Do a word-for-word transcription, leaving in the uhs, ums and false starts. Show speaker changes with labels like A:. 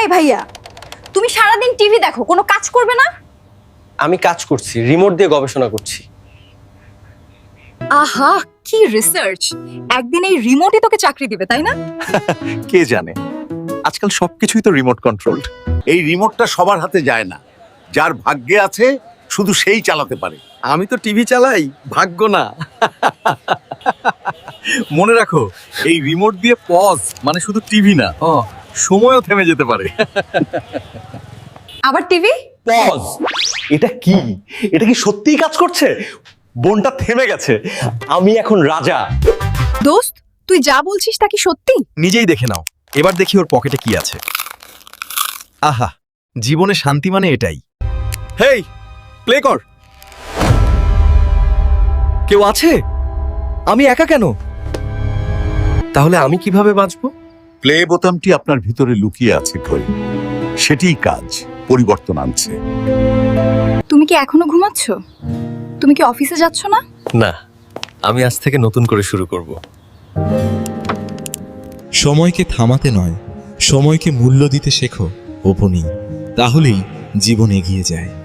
A: এই ভাইয়া, তুমি সারাদিন টিভি দেখো, কোনো কাজ করবে না?
B: আমি কাজ করছি, রিমোট দিয়ে গবেষণা করছি।
A: আহা, কি রিসার্চ! একদিন এই রিমোটই তোকে চাকরি দিবে, তাই না?
C: কে জানে, আজকাল সবকিছুই তো রিমোট কন্ট্রোলড।
D: এই রিমোটটা সবার হাতে যায় না, যার ভাগ্যে আছে শুধু সেই চালাতে পারে।
C: আমি তো টিভি চালাই, ভাগ্য না। মনে রাখো, এই রিমোট দিয়ে পজ মানে শুধু টিভি না, ও সময়ও থেমে যেতে পারে।
A: আবার টিভি?
C: পজ, এটা কি? এটা কি সত্যিই কাজ করছে? বোনটা থেমে গেছে, আমি এখন রাজা।
A: দোস্ত, তুই যা বলছিস তা কি সত্যি?
C: নিজেই দেখে নাও, এবার দেখি ওর পকেটে কি আছে। আহা, জীবনে শান্তি মানে এটাই। হেই, প্লে কর। কেউ আছে? আমি একা কেন? তাহলে আমি কিভাবে বাঁচবো?
D: প্লে বোতামটি আপনার ভিতরে লুকিয়ে আছে কই, সেটিই কাজ পরিবর্তন আনছে।
A: তুমি কি এখনো ঘুমাচ্ছ? তুমি কি অফিসে যাচ্ছ না?
C: না, আমি আজ থেকে নতুন করে শুরু করব।
E: সময়কে থামাতে নয়, সময়কে মূল্য দিতে শেখো, ওপনি। তাহলেই জীবন এগিয়ে যায়।